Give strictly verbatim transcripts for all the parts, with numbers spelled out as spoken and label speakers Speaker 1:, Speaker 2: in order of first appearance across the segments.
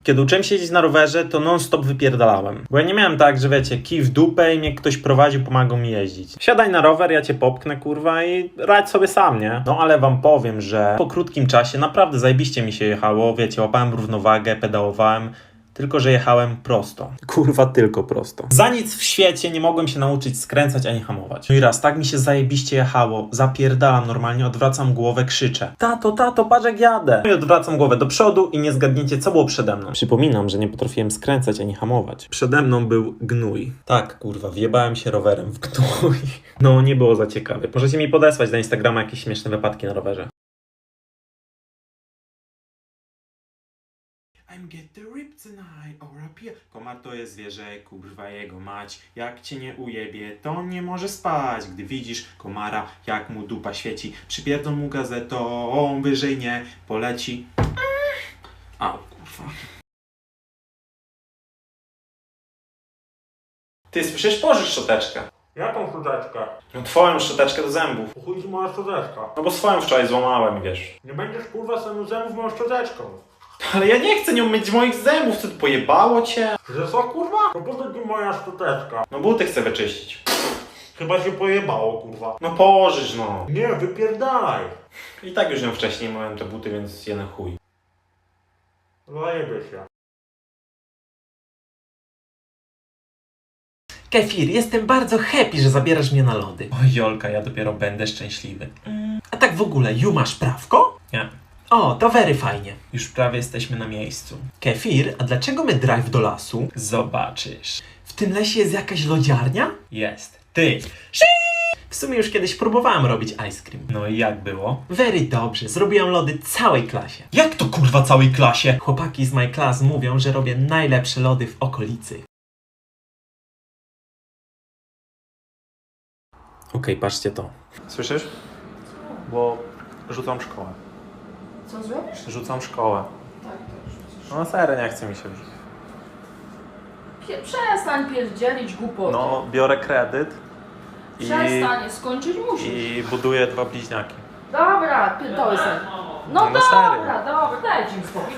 Speaker 1: Kiedy uczyłem się jeździć na rowerze, to non-stop wypierdalałem. Bo ja nie miałem tak, że wiecie, kij w dupę i mnie ktoś prowadził, pomagał mi jeździć. Siadaj na rower, ja cię popchnę, kurwa, i radź sobie sam, nie? No ale wam powiem, że po krótkim czasie naprawdę zajebiście mi się jechało, wiecie, łapałem równowagę, pedałowałem. Tylko że jechałem prosto. Kurwa, tylko prosto. Za nic w świecie nie mogłem się nauczyć skręcać ani hamować. No i raz, tak mi się zajebiście jechało. Zapierdalam normalnie, odwracam głowę, krzyczę. Tato, tato, patrz jak jadę. No i odwracam głowę do przodu i nie zgadniecie, co było przede mną. Przypominam, że nie potrafiłem skręcać ani hamować. Przede mną był gnój. Tak, kurwa, wjebałem się rowerem w gnój. No, nie było za ciekawe. Możecie mi podesłać na Instagrama jakieś śmieszne wypadki na rowerze. I'm get the rip tonight, or up here. Komar to jest zwierzę, kurwa jego mać. Jak cię nie ujebie, to on nie może spać. Gdy widzisz komara, jak mu dupa świeci, przypierdol mu gazetą, on wyżej nie poleci. A, kurwa. Ty słyszysz? Pożycz szczoteczkę.
Speaker 2: Jaką szczoteczkę?
Speaker 1: No twoją szczoteczkę do zębów.
Speaker 2: Po chuj ci moja szczoteczka?
Speaker 1: No bo swoją wczoraj złamałem, wiesz.
Speaker 2: Nie będziesz kurwa samym zębów moją szczoteczką.
Speaker 1: Ale ja nie chcę nią myć moich zębów, co tu pojebało cię?
Speaker 2: Że co kurwa? To po co ci moja szczoteczka?
Speaker 1: No buty chcę wyczyścić.
Speaker 2: Chyba się pojebało kurwa.
Speaker 1: No pożycz no.
Speaker 2: Nie, wypierdalaj.
Speaker 1: I tak już ją wcześniej miałem te buty, więc je na chuj.
Speaker 2: Zajebie się.
Speaker 3: Kefir, jestem bardzo happy, że zabierasz mnie na lody.
Speaker 1: Oj Jolka, ja dopiero będę szczęśliwy.
Speaker 3: Mm, a tak w ogóle, Ju, masz prawko?
Speaker 1: Nie.
Speaker 3: O, to very fajnie.
Speaker 1: Już prawie jesteśmy na miejscu.
Speaker 3: Kefir, a dlaczego my drive do lasu?
Speaker 1: Zobaczysz.
Speaker 3: W tym lesie jest jakaś lodziarnia?
Speaker 1: Jest. Ty.
Speaker 3: W sumie już kiedyś próbowałem robić ice cream.
Speaker 1: No i jak było?
Speaker 3: Very dobrze, zrobiłam lody całej klasie.
Speaker 1: Jak to kurwa całej klasie?
Speaker 3: Chłopaki z my class mówią, że robię najlepsze lody w okolicy.
Speaker 1: Okej, patrzcie to. Słyszysz? Bo rzucam szkołę.
Speaker 4: Co zrobisz?
Speaker 1: Rzucam szkołę.
Speaker 4: Tak, to rzucisz.
Speaker 1: No serio, nie chce mi się już.
Speaker 4: Pie- Przestań pierdzielić głupoty.
Speaker 1: No, biorę kredyt i,
Speaker 4: Przestań, skończyć musisz.
Speaker 1: i buduję dwa bliźniaki.
Speaker 4: Dobra, pierdolę sobie. No,
Speaker 1: No, no
Speaker 4: dobra,
Speaker 1: serio.
Speaker 4: dobra, dajcie mi spokój.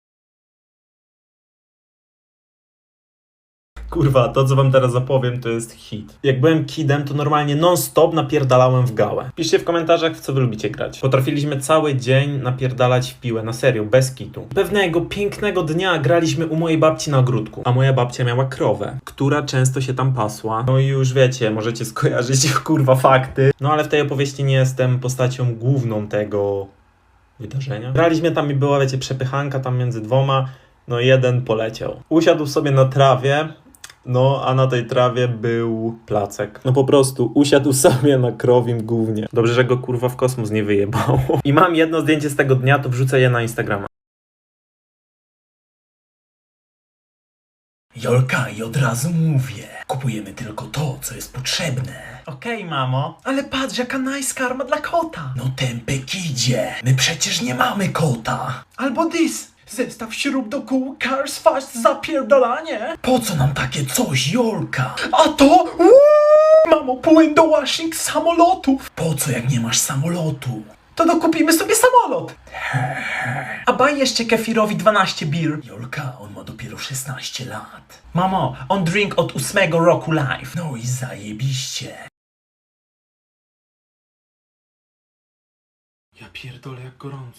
Speaker 1: Kurwa, to co wam teraz zapowiem, to jest hit. Jak byłem kidem, to normalnie non-stop napierdalałem w gałę. Piszcie w komentarzach, w co wy lubicie grać. Potrafiliśmy cały dzień napierdalać w piłę, na serio, bez kitu. Pewnego pięknego dnia graliśmy u mojej babci na ogródku, a moja babcia miała krowę, która często się tam pasła. No i już wiecie, możecie skojarzyć kurwa fakty. No ale w tej opowieści nie jestem postacią główną tego wydarzenia. Graliśmy tam i była, wiecie, przepychanka tam między dwoma. No jeden poleciał. Usiadł sobie na trawie. No, a na tej trawie był placek. No po prostu usiadł sobie na krowim gównie. Dobrze, że go kurwa w kosmos nie wyjebało. I mam jedno zdjęcie z tego dnia, to wrzucę je na Instagrama.
Speaker 3: Jolka, i od razu mówię. Kupujemy tylko to, co jest potrzebne.
Speaker 1: Okej, okay, mamo.
Speaker 3: Ale patrz, jaka nice karma dla kota. No tępy kidzie. My przecież nie mamy kota. Albo this. Zestaw śrub do kół, cars fast, zapierdalanie. Po co nam takie coś, Jolka? A to? Uuu! Mamo, płyn do washing samolotów. Po co, jak nie masz samolotu? To dokupimy sobie samolot. A baj jeszcze Kefirowi dwanaście bir. Jolka, on ma dopiero szesnaście lat. Mamo, on drink od ósmego roku life. No i zajebiście.
Speaker 1: Ja pierdolę, jak gorąco.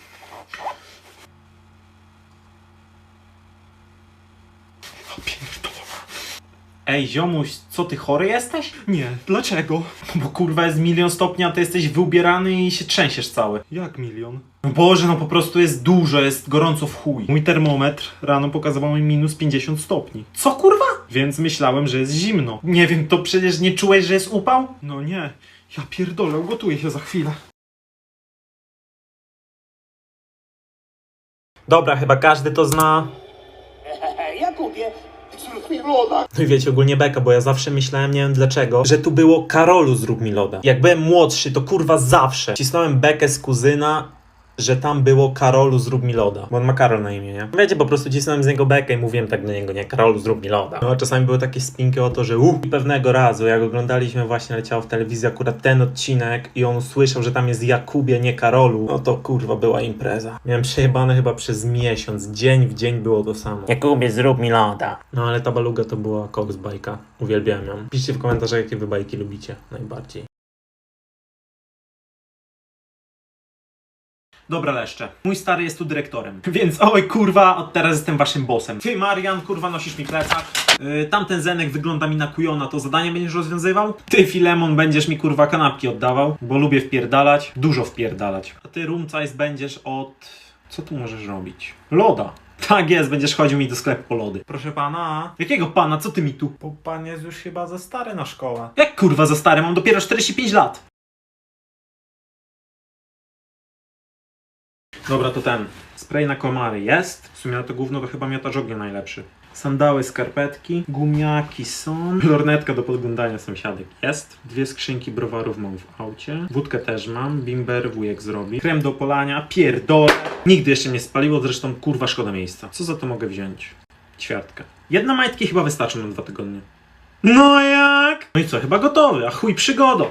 Speaker 1: Ej, ziomuś, co ty chory jesteś?
Speaker 2: Nie, dlaczego?
Speaker 1: Bo kurwa jest milion stopni, a ty jesteś wyubierany i się trzęsiesz cały.
Speaker 2: Jak milion?
Speaker 1: No Boże, no po prostu jest dużo, jest gorąco w chuj. Mój termometr rano pokazywał mi minus pięćdziesiąt stopni. Co kurwa? Więc myślałem, że jest zimno. Nie wiem, to przecież nie czułeś, że jest upał?
Speaker 2: No nie, ja pierdolę, ugotuję się za chwilę.
Speaker 1: Dobra, chyba każdy to zna.
Speaker 5: Jakubie, zrób mi loda.
Speaker 1: No i wiecie, ogólnie beka, bo ja zawsze myślałem, nie wiem dlaczego, że tu było Karolu zrób mi loda. Jak byłem młodszy, to kurwa zawsze cisnąłem bekę z kuzyna, że tam było Karolu zrób mi loda. Bo on ma Karol na imię, nie? Wiecie, po prostu cisnąłem z niego bekę i mówiłem tak do niego, nie? Karolu zrób mi loda. No a czasami były takie spinki o to, że uuu, pewnego razu, jak oglądaliśmy, właśnie leciało w telewizji akurat ten odcinek i on usłyszał, że tam jest Jakubie, nie Karolu, no to kurwa była impreza. Miałem przejebane chyba przez miesiąc, dzień w dzień było to samo. Jakubie, zrób mi loda. No ale ta baluga to była koks bajka. Uwielbiałem ją. Piszcie w komentarzach, jakie wy bajki lubicie najbardziej.
Speaker 2: Dobra, leszcze. Mój stary jest tu dyrektorem. Więc oj kurwa, od teraz jestem waszym bossem. Ty, Marian, kurwa, nosisz mi plecak. Yy, tamten Zenek wygląda mi na kujona, to zadanie będziesz rozwiązywał? Ty, Filemon, będziesz mi kurwa kanapki oddawał, bo lubię wpierdalać. Dużo wpierdalać. A ty, Rumcajs, będziesz od... Co tu możesz robić? Loda. Tak jest, będziesz chodził mi do sklepu po lody. Proszę pana. Jakiego pana? Co ty mi tu?
Speaker 1: Bo pan jest już chyba za stary na szkołę.
Speaker 2: Jak kurwa za stary? Mam dopiero czterdzieści pięć lat. Dobra, to ten. Spray na komary jest. W sumie na to gówno to chyba miotacz ognia najlepszy. Sandały, skarpetki, gumiaki są. Lornetka do podglądania sąsiadek jest. Dwie skrzynki browarów mam w aucie. Wódkę też mam. Bimber wujek zrobi. Krem do polania. Pierdolę. Nigdy jeszcze nie spaliło, zresztą kurwa szkoda miejsca. Co za to mogę wziąć? Ćwiartkę. Jedna majtki chyba wystarczy na dwa tygodnie. No jak? No i co? Chyba gotowy. A chuj przygodą.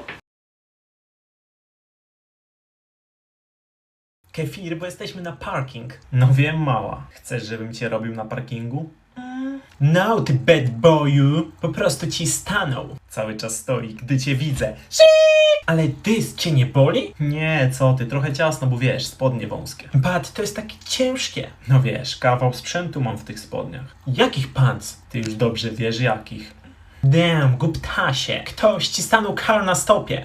Speaker 3: Kefir, bo jesteśmy na parking. No wiem, mała. Chcesz, żebym cię robił na parkingu? Mm. No, ty bad boyu. Po prostu ci stanął. Cały czas stoi, gdy cię widzę. Ale dys cię nie boli? Nie, co ty, trochę ciasno, bo wiesz, spodnie wąskie. Pat, to jest takie ciężkie. No wiesz, kawał sprzętu mam w tych spodniach. Jakich pants? Ty już dobrze wiesz, jakich. Damn, głuptasie. Ktoś ci stanął kar na stopie.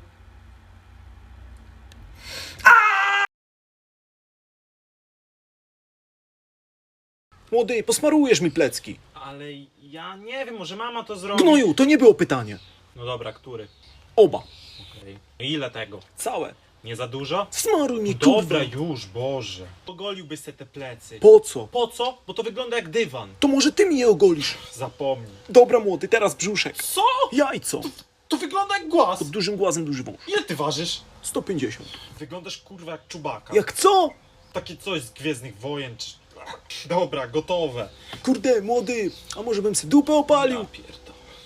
Speaker 6: Młody, posmarujesz mi plecki.
Speaker 1: Ale ja nie wiem, może mama to zrobi.
Speaker 6: Gnoju, to nie było pytanie.
Speaker 1: No dobra, który?
Speaker 6: Oba.
Speaker 1: Okej. Ile tego?
Speaker 6: Całe.
Speaker 1: Nie za dużo?
Speaker 6: Smaruj mi, kurwa.
Speaker 1: Dobra już, Boże. Ogoliłbyś sobie te plecy.
Speaker 6: Po co?
Speaker 1: Po co? Bo to wygląda jak dywan.
Speaker 6: To może ty mi je ogolisz.
Speaker 1: Zapomnij.
Speaker 6: Dobra, młody, teraz brzuszek.
Speaker 1: Co?
Speaker 6: Jajco.
Speaker 1: To wygląda jak głaz.
Speaker 6: Pod dużym głazem duży wąż.
Speaker 1: Ile ty ważysz?
Speaker 6: sto pięćdziesiąt.
Speaker 1: Wyglądasz kurwa jak Czubaka.
Speaker 6: Jak co?
Speaker 1: Takie coś z Gwiezdnych Wojen czy... Dobra, gotowe.
Speaker 6: Kurde, młody, a może bym sobie dupę opalił?
Speaker 1: Ja pierdolę.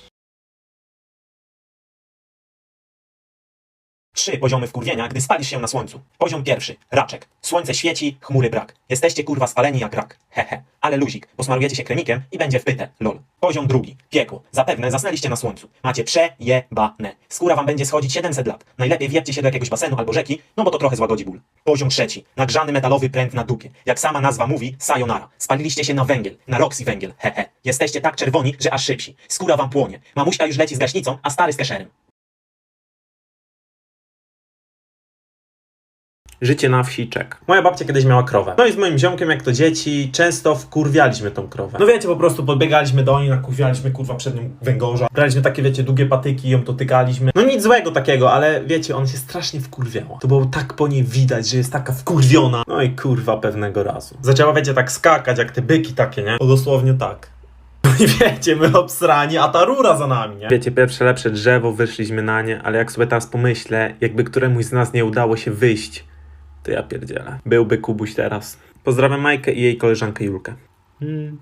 Speaker 7: Trzy poziomy wkurwienia, gdy spalisz się na słońcu. Poziom pierwszy. Raczek. Słońce świeci, chmury brak. Jesteście kurwa spaleni jak rak. Hehe. Ale luzik. Posmarujecie się kremikiem i będzie wpyte. Lol. Poziom drugi. Piekło. Zapewne zasnęliście na słońcu. Macie przejebane. Skóra wam będzie schodzić siedemset lat. Najlepiej wjebcie się do jakiegoś basenu albo rzeki, no bo to trochę złagodzi ból. Poziom trzeci. Nagrzany metalowy pręt na dupie. Jak sama nazwa mówi, sayonara. Spaliliście się na węgiel. Na Roxy węgiel. Hehe. Jesteście tak czerwoni, że aż szybsi. Skóra wam płonie. Mamuśka już leci z gaśnicą, a stary z keszerem.
Speaker 1: Życie na wsi czek. Moja babcia kiedyś miała krowę. No i z moim ziomkiem, jak to dzieci, często wkurwialiśmy tą krowę. No wiecie, po prostu podbiegaliśmy do niej, nakurwialiśmy kurwa przed nią węgorza. Braliśmy takie, wiecie, długie patyki i ją dotykaliśmy. No nic złego takiego, ale wiecie, on się strasznie wkurwiała. To było tak po niej widać, że jest taka wkurwiona. No i kurwa pewnego razu. Zaczęła, wiecie, tak skakać, jak te byki takie, nie? To dosłownie tak. No i wiecie, my obsrani, a ta rura za nami, nie? Wiecie, pierwsze lepsze drzewo, wyszliśmy na nie, ale jak sobie teraz pomyślę, jakby któremuś z nas nie udało się wyjść, to ja pierdzielę. Byłby Kubuś teraz. Pozdrawiam Majkę i jej koleżankę Julkę. Hmm.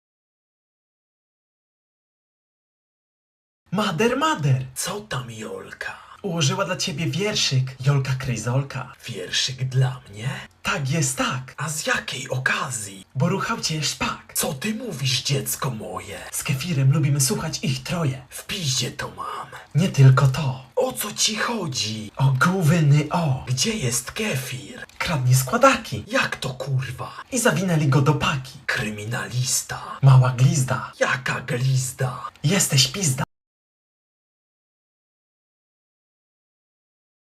Speaker 3: Mader, mader, co tam Jolka? Ułożyła dla ciebie wierszyk, Jolka Kryzolka. Wierszyk dla mnie? Tak jest tak, a z jakiej okazji? Bo ruchał cię szpak. Co ty mówisz, dziecko moje? Z Kefirem lubimy słuchać ich troje. W piździe to mam. Nie tylko to. O co ci chodzi? O gówny o. Gdzie jest Kefir? Kradnie składaki. Jak to kurwa? I zawinęli go do paki. Kryminalista. Mała glizda. Jaka glizda? Jesteś pizda.